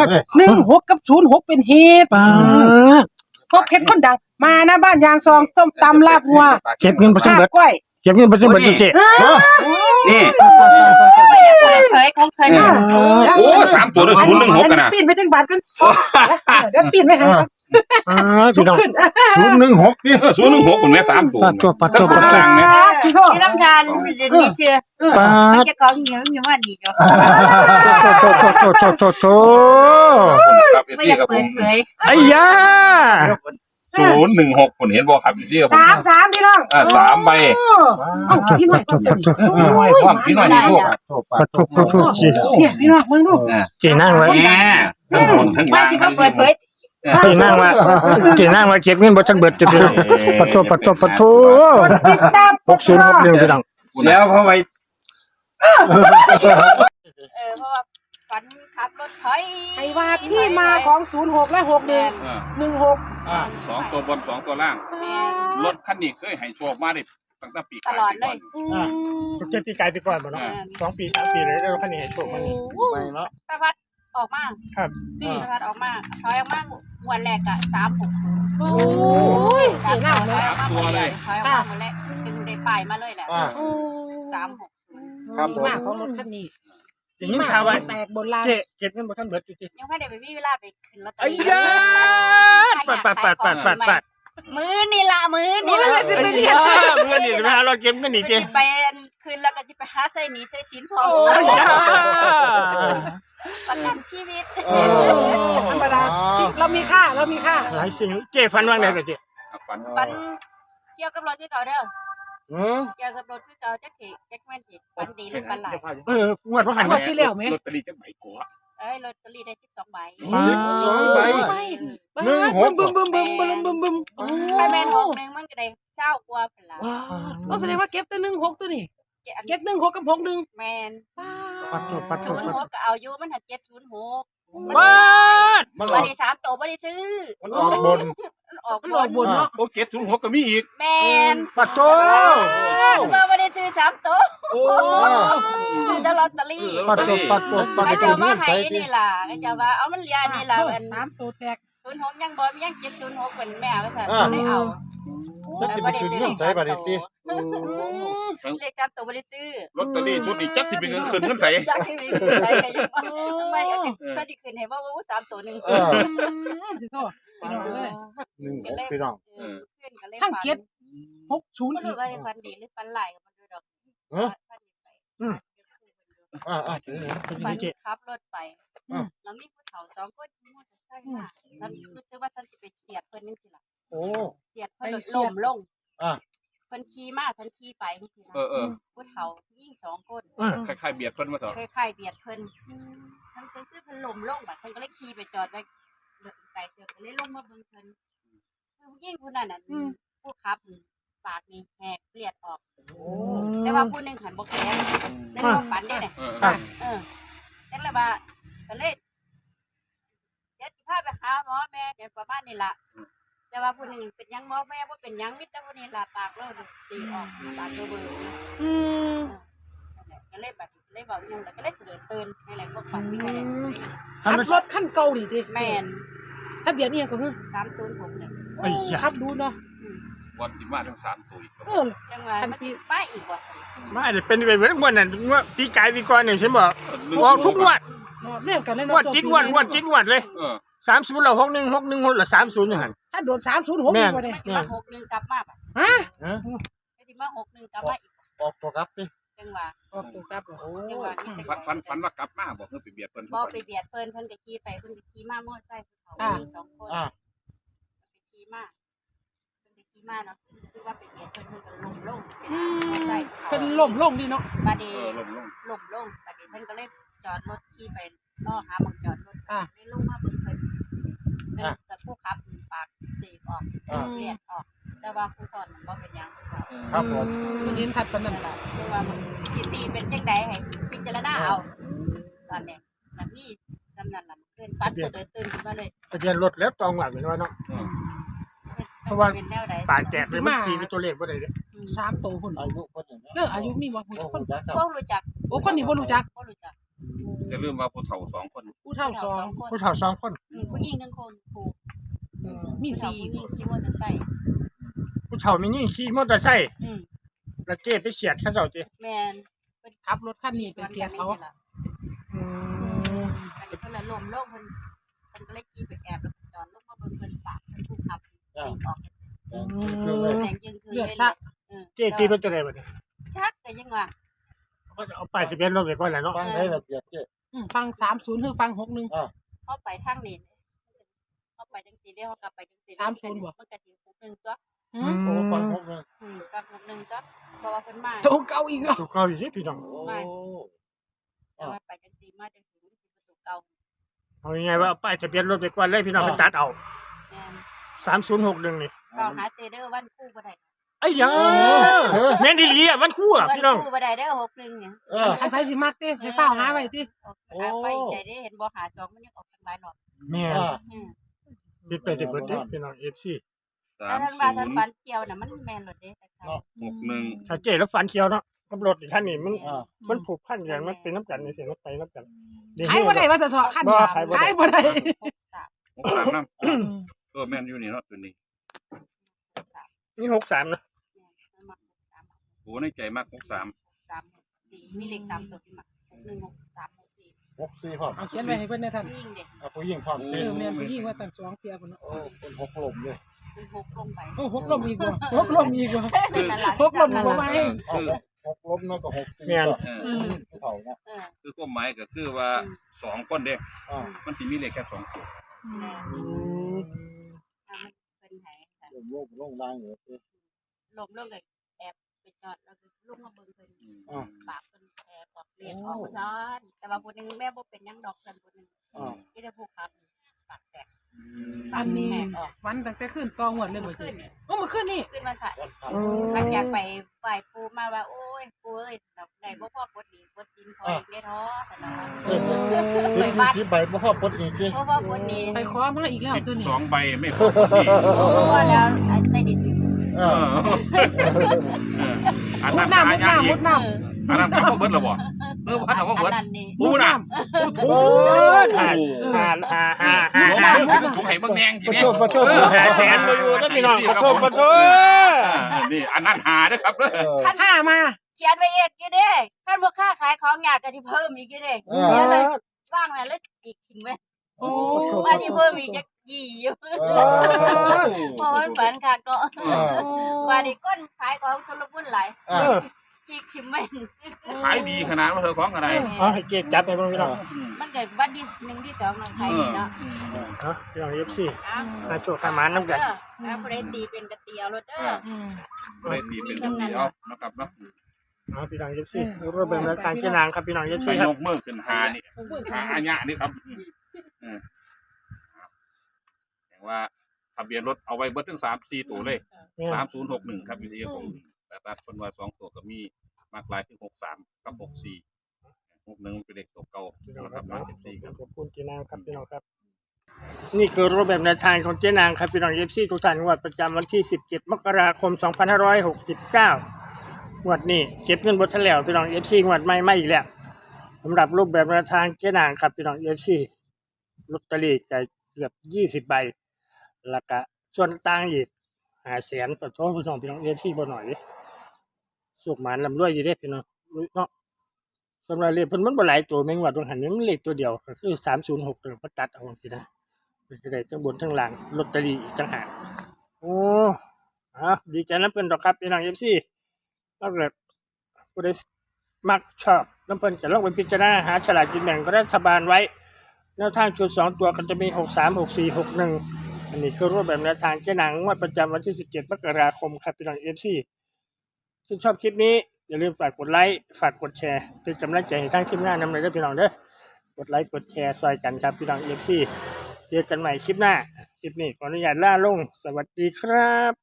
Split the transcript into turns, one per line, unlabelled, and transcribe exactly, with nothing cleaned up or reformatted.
หนึ่งหกกับศูนย์หกเป็นเหตุพบเพชรคนดังมาหน้าบ้านยางซองส้มตำลาบวัว
เก็บเงินไปซื้อเบิด
กล้วย
เก็บเงินไปซื้อเบิดจุเจ
นี่
เปิดเผยของเคย
โอ้สามตัวเลยศูนย์หนึ่งหกกันนะ
ปีนไปจังบาทกันเดี๋ยวปีนไปหา
อ่าพี่น้อง
ศูนย์หนึ่งหกดิ
ศูนย์หนึ่งหกคนแม่สามตัว
ปัดตัวปัดตัวปัดตัว
เนี่ย
ที่โทษ
ที่ลำธารเรียนนี่เชื่อ
ปัด
จะของเหนียวเหนียวว่าดีจ้ะ
โตโตโตโตโตโต
ไม่อยากเปิดเผย
ไอ้ยา
ศูนย์หนึ่งหกคนเห็นบ่ครับพี่ครับผม
สามสามพี่น้อง
อ่าสามใบ
เอาพี่น้อง
พี่น้อยความพี่น้อยนี่พวก
ปัดตัวปัดตัว
เนี่ยพี่น้องมึงดู
เจนั่งไว้
แง่ทั้งบนทั้ง
ว่าสิมาเปิดเผย
เจนั่งไว้เจนั่งไว้เก็บเงินบ่ทันเบิดจุพี่น้องปัดตัวปัดตัวปัดตัว
ติดตาม
หกศูนย์หกหนึ่งพี่น้อง
แล้วเพราะไว้
เออเพราะว่าฝันขับรถถอย
ไอ้ว่าที่มาของศูนย์หกและหกหนึ่งหนึ่งหก
สองตัวบนสองตัวล่างรถคันนี้เคยให้โชคมาดิตั้งแต่ปี
ตลอดเลย
จุเจตีไกลไปก่อนบ่เนาะสองปีสามปีเลยแล้วคันนี้โชคมันนี่
ไปเนาะ
ตะพัดออกมา
ครับ
ตะพัดออกมาถอยออกมาวันแรกอะสามหก
โอ้ย
ถอย
เก่ง
อ
มาก
อก
เลย
มาหมดเลยถอยออกมาหมดแล้วจึงได้ป้ายมาเลยแหละสามหก
ดีมากของรถคันนี้
อย่างนี้ข่าวไว้
แตกบนลาน
เจเก็บเงินบ่ทันเบิดจุเจ
ยังไม่ได้ไปมีเวลาไปขึ้นลอตเตอ
ไอ้
รี่
ยาปัดปัดปัดปัดปัดปัด
มือนี่ละมือนี่ละ
ไอ้ยาเงินนี่นะเราเก็บเงินนี่เจ
จะไปคืนแล้วก็จะไปหาใส่หนีใส่สินพอ
ไอ้ยา
ประกันชีวิต
ธรรมดาเรามีค่าเรามีค่า
หลายสิ่งเจฟันว่างได้ก็เจ
ฝัน
ปันเกี่ยวกับรถที่เก่าเด้อ
อืม
เกี่ยวกับรถที่เก่าจักสิจักแม่นสิปันดีหรือปันหลาย
เอองวดว่าหัน
งวดที่แล้วไหม
ลอตเตอรี่จักใบกัว
เอ้ยลอตเตอรี่ได้สิบสองใบ
สิบสองใบ หนึ่งหก
บึ้มบึ้มบึ้มบึ้มบึ้มบึ้ม
ไปแม่นหกหนึงมันก็ได้เจ้ากว่าเป็นละ
ว้าวแสดงว่าเก็บแต่หนึ่งหกตัวนี่เก็บหนึ่งหกกับหกหนึ่ง
แม่น
ปัดตัวปัดตั
ศู
วน
ย์หกก็เอาอยู่มันหัดเจ็ดศูนย์หก
บ้า
มันอ
บ่
อก
ได้สามตัวบ่ได้ซื้อ
มันออกบน
มันออก
มันหลอกบนเนาะ
โอ้เจ็ดศูนย์หกก็มีอีก
แม่น
ปัดโต
ว่าบ่ได้ซื้อสามตัว
โอ้
ซื้อแต่ลอตเตอรี่
ปัดตัวปัดตัวปัด
ก็
ตั
จะ
ว
มาให้นี่ล่ะก็จะว่าเอามันเหลือนี่ล่ะอัน
สามตัวแตก
ศูนย์หกยังบ่ยังเจ็ดศูนย์หกเป็นแม่ว่าซั่นเลยเอา
จะสิไปขึ้นเงินใส่บัตรติ
เลขจำตัวบ่ได้ซื้อ
ลอตเตอรี่ชุดนี้จักสิเป็นเงินคืนเงินใส่
จักที่มีขึ้นใส่ก็ยังทำไมก็ก็สิขึ้นให้ว่าว่าสามตัวนึง
เออ
สิโทษพี่น้องเลย
หนึ่งหกพี่น้อง
ขึ้นก็เลย
ทั้งเก็ดหกศูนย์
บ่
อี
รู้
ก
ว่าฟันดีหรือฟันหลายก็บ่รู้ดอก
อ่าอ่าถือ
ฟันขับรถไปแล้วมีผู้เฒ่าสองคนขี่มอเตอร์ไซค์มาฉันรู้สึกว่าฉันสิไปเสียดเพิ่นจังซี่ล่ะ
โอ้
เสียดเพิ่นล้มลง
อ่า
เพิ่นขี่มาฉันขี่ไปจังซี่
เออเออ
ผู้เฒ่ายิ่งสองคน
คล้ายๆเบียดเพิ่นมาต่อ
คล้ายๆเบียดเพิ่นเพิ่นก็คือเพิ่นล้มลงบัดเพิ่นก็เลยขี่ไปจอดไว้เดินไกลเติบก็เลยลงมาเบิ่งเพิ่นคือผู้หญิงผู้นั้นน่ะผู้ขับปากนี่แหกเลือดออกแต่ว่าผู้หนึงหันบ่แข็งในความฝันได้เนี่ย
เออ
เออจังเลยว่าก็เลยเดี๋ยวสิพาไปหาหมอแม่เป็นประมาณนี้ล่ะแต่ว่าผู้หนึงเป็นหยังหมอแม่บ่เป็นหยังมิตรผู้นี้ล่ะปากเราสีออกปากเบอร์
อืม
ก็เลยแบบเลยบอกยังแล้วก็เลยเสด็จตื่นนี่แหละพวกฝันมีอะไร
ขับรถขั้นเก่าดิที
แมน
ทะเบียนนี่ยังก็คือ
สามศูนย์หกหนึ่ง
ไอ้ยา
ขับดูเนาะ
วันที่มาทั้งสามตัวอีก
เออ
จังหวะมันป้ายอีกว่ะ
ไม่ได้เป็นไปเหมือนงวดนั้นงวดปีกายปีก่อนเนี่ยฉันบอกออกทุกงวด
เนาะเรื่องกันเลย
ง
เนาะ
วดจิตงวดงวดจิตงวดเลย
เออ
สามศูนย์เราหกหนึ่งหกหนึ่งหกละสามศูนย์อย่างนั้น
ถ้าโดนสามศูนย์หกอีกว่าเนี่ย
ไม่ได้มาหกหนึ่งกลับมาป่ะ
ฮะ
ไม่ได้มาหกหนึ่งกลับมาอีก
ออกตัวครับดิ
จังหวะ
ออกตัวครับโอ้
จังหวะนี่
ฝันฝันฝันว่ากลับมาบอกเพิ่นไปเบียดเพิ่น
บอไปเบียดเพิ่นเพิ่นก็ขี่ไปเพิ่นก็ขี่มามอไซค์เขาสองคน
อ่า
ไปขี่มาเพิ่นไปขี่มาเนาะคือว่าไปเบียดเพิ่นเพิ่นก็ล้มลงเสียดายมอไซค์
เป็นล่มลงดิเนาะ
บาดี
เออลงลง
ล่มลงบาดีเพิ่นก็เลยจอดรถขี่ไปล่อหาบังจอดรถเลยลงมาเบิ่งเพิ่นเพิ่นกับผู้ขับปากเสกออกเลียดออกแต่ว่าผู้สอนมันบ่เป็นหยัง
ครับผม
มันเห็นชัดปานนั้น
นั่นแหละคือว่ามันจิตตีเป็นจังใดให้พิจารณาเอาตอนนี้มันมีกำนันล่ะเพิ่นปัดจะเดินตื่นขึ้นมาเลย
ทะเบียนรถแล้วตองหลังเป็นว่าเนาะ เพราะว่า
เป็นแนวใด
ปากแตกเลยมันตีเป็นตัวเลขว่าใดเนี่ย
สามตัวคน
อายุคนหนึ่ง
เอออายุมีบ่คน
โอ้คนจัก
บ่รู้จัก
โอ้คนนี้บ่รู้จัก
บ่รู้จัก
จะลืมว่าผู้เฒ่าสองคน
ผู้เฒ่าสอง
ผู้เฒ่าสองคน
อืมผู้หญิงหนึ่งคนครู
มี
ผู้เฒ่า
สี่
ผู้หญิงขี่มอเตอร์ไซค์
ผู้เฒ่ามีนี่ขี่มอเตอร์ไซค์
อืม
แล้วเจ๊ไปเฉียดเขาเจ้าเจ๊
แมน
ขับรถคันนี้ไปเสียเขา
อืม
อันนี้เพิ่นละลมโลกเพิ่นเพิ่นก็เลยขี่ไปแอบแล้วก็จอดลงมาเบิ่งเพิ่นปากเพิ่นผู้ขับตีออก
เครื่องเลย
แดงจึงคือ
เลือด
เลย
ซัก
เออ
เจ๊ตีรถจะได้บ่เนี่ย
ชักก็ยังว่า
เขาจะเอาป้ายทะเบียนรถไปก่อนแหละเนาะ
ฟังให้ระเบียบเจ๊
อืมฟังสามศูนย์คือฟังหกหนึ่ง
เขาไปทางนี้เขาไปจังซี่ได้เขากลับไปจังซี่
สามศูนย์บ่
มันก็สิหกหนึ่งตัว
อื
อื
ม
ม
โอ้ฟังหกเลย
อืมกับหกหนึ่งตัวเพราะว่าเพิ่นมา
โตเก่าอีกแล้ว
ถูกเขาอยู่ที่พี่น้อง
โอ้
แต่ว่าไปจังซี่มาจังซี่มันสิประตูเก่า
เอายังไงว่าเอาป้ายทะเบียนรถไปก่อนเลยพี่น้องไปตัดเอา
แม่น
สามศูนย์หกหนึ่งนี่
เก่าหาเซเดอร์วันคู่บ่ได้
ไอ้ยาแม่นดีหลีอ่ะมันคู่อ่ะ
วัน
พี่น้อง
คู่บ่ได้เด้อหกหนึ่งเนี่ย
เออ
อันไผสิมักติให้เฝ้าหาไว้ติ
หาไปใจได้เห็นบ่หาสองมันยังออกทางหลายรอบ
แม่
อ่า
อืม
ปิดไปจะเบิดเด้อพี่น้อง เอฟ ซี
สา
แต่
ม
ท่าน
ศู
ว่าท่าน
นย์
ฟันเกี่ยวน่ะมันแม่นรถเด้แต่เขา
หกหนึ่ง
ถ้าเจ๊แล้วฟันเขียวเนาะกับรถอีกคันนี่มัน
อ่า
มันผูกพันกันมันเป็นน้ำกันในเสียงรถไปน้ำกัน
ขายบ่ได้ว่าจะเถาะคัน
บ่
นี้
ขายบ่ได้
ขายบ่ได้
หกสาม
หกสามน้ำเออแม่นอยู่นี่เนาะตัวนี้
นี่หกสามนะ
มันมาหกสาม
โอ้ในใจมากหกสาม
สามสี่มีเลขสามตัวที่มาหกหนึ่งหกสามหกสี่
หกสี่พร้อม
เอาเขียนไว้ให้เพิ่นได้ท่าน
ยิ่งเด็ก
อ่ะผู้หญิงพร้อม
เอ
เจ๊
อแม่นผู้หญิงว่าตั้งสองเที่ยพุ่นเนาะ
โอ้เป็นหกลมเลย
คือหกลงไป
โอ้หกลมอีกว่าหกลมอีกว่า
นั่นล่ะ
หกลมบ่ไหว
เอาหกลมแล้วก็หกสี่
เออ
ผู้เฒ่าเนาะ
เออ
คือความหมายก็คือว่าสองคนเด้
อ่า
มันสิมีเลขแค่สองตัว
แม่
อืม
ถ้ามันเป็นไหค่ะ
ลมโลกลงล่างอยู่เจ๊
ลมลงเลยแอบไปจอดแล้วก็ลุกมาเบิ่งเพิ่น
อ่า
ปากเพิ่นแอบออกเลียนออกซ้อนแต่ว่าผู้หนึงแม่บ่เป็นหยังดอกเพิ่นผู้หนึง
อ่า
ที่จะผูกครับปากแตก
อันนี้
แตกออก
วันตั้งแต่คืนตองวดเลยบ่
ขึ้
ติ
นนี่
โอ้มื้อคืนนี่
ขึ้นวันพระ
วันพระ
หลังจากไปไหว้ปู่มาว่าโอ้ยปู่เอ้ยดอกได้บ่พอกดหนี้กดสินขออีกเด้อท้อซั่นน่ะ
เออสิบยี่สิบใบบ่พอปลดหนี่เจ๊
บ่พอกดหนี้
ไปขอมาอีกแล้ว
สิบ
ตัวนี้
สองใบไม่พอคนนี้
เพราะแล้วไอ้ได้ดินอีก
เอ
เอ
อ
อเอออัน
มุ
นั้
ด
น
น้ำมุด
หา
น้ำ
ยากอี
มุ
ก
ดน้
อันนั้นเขาก็เบิดแล้วบ่เออพันเอาก็เบิด
อันนั้นนี่
ปูน่ะ
โอ้ยหาหาหาหาหา
ลง
หา
มือขึ้นถุงให้เบิ่งแดง
ขอโทษขอโทษหาแสนมาอยู่นะพี่น้องขอโทษขอโทษ
นี่อันนั้นหาเด้อครับเด้อ
เออ
ำห้ามา
เขียนไว้อีกอยู่เด้คันบ่ค้าขายของยากก็สิเพิ่มอีกอยู่เด้
เอ
เขียน
อ
ไว้ว่างไว้แล้วอีกทิ้งไว้
โอ้
ว่าสิเพิ่มอีกจักยี่อยู่
เออ
เพราะมันฝันคักเนาะ
เออ
ว่าดิก้นขายของชลบุญหลาย
อ่า
เออ
จีกชิมแม่น
ขายดีขนาดว่าเธอของอะไร
เอาให้เจ๊จับให้เบิ่งพี่น้อง
มันเกิดวันที่หนึ่งที่สองน้องขายดีเนาะ
เนาะพี่น้อง เอฟ ซี
อ้าว
มาโชว์ขามานน้ำกัน
เด้อแล้วบ่ได้ตีเป็นกะเตียวรถเด้อ
อืม
เลยตีเป็นเดียวนะครับเนาะ
เอาพี่น้อง เอฟ ซีรูปแบบแนวทางเจ๊นางครับพี่น้อง เอฟ
ใส่
ซีครั
ย
บ
กมือขึ้นหานี่หาอัญญะนี่ครับเออแปลว่าทะเบียนรถเอาไว้เบิดถึงสามสี่ตัวเลยสามศูนย์หกหนึ่งครับอยู่ที่ผมแต่ตัดคนว่าสองตัวก็มีมากหลายถึงหกสามกับหกสี่หกหนึ่งเป็นเลขตัวเก่า
พี่น้อง
นะ
ค
ค
รั
รั
บบ เนาะ
สิบสี่ครับ
ขอบคุณเจ๊นางครับพี่น้องครับ นี่คือรูปแบบแนวทางของเจ๊นางครับพี่น้อง เอฟ ซีทุกท่านงวดประจำวันที่สิบเจ็ดมกราคมสองพันห้าร้อยหกสิบเก้างวดนี้เก็บเงินบดทันแล้วพี่น้อง เอฟ ซีงวดใหม่ไม่อีกแล้วสำหรับรูปแบบแนวทางเจ๊นางครับพี่น้อง เอฟ ซีลอตเตอรี่ก็เกือบยี่สิบใบแล้วก็ส่วนต่างอีกหาแสนต่อท้องพี่น้องพี่น้อง เอฟ ซีบ่หน่อยสุกหมานลำรวยอยู่เด้พี่น้องเนาะสำหรับเลขเพิ่นมันบ่หลายตัวแม่งว่าตรงหันนี้มันเลขตัวเดียวก็คือสามศูนย์หกตัวตัดเอาสินะมันจะได้ทั้งบนทั้งล่างลอตเตอรี่อีกต่างหากโอ้อ่ะดีใจนำเพิ่นดอกครับพี่น้อง เอฟ ซีถ้าเกิดผู้ใดมักชอบนำเพิ่นจะลองไปพิจารณาหาฉลากกินแบ่งรัฐบาลไว้แนวทางชุดสองตัวก็จะมีหกสาม หกสี่ หกหนึ่งอันนี้คือรูปแบบแนวทางเจ๊นางงวดประจำวันที่สิบเจ็ดมกราคมครับพี่น้อง เอฟ ซีถ้าชอบคลิปนี้อย่าลืมฝากกดไลค์ฝากกดแชร์เป็นกำลังใจให้ทางทีมงานนำเลยเด้อพี่น้องเด้อกดไลค์กดแชร์ซอยกันครับพี่น้อง เอฟ ซีเจอกันใหม่คลิปหน้าคลิปนี้ขออนุญาตลาลงสวัสดีครับ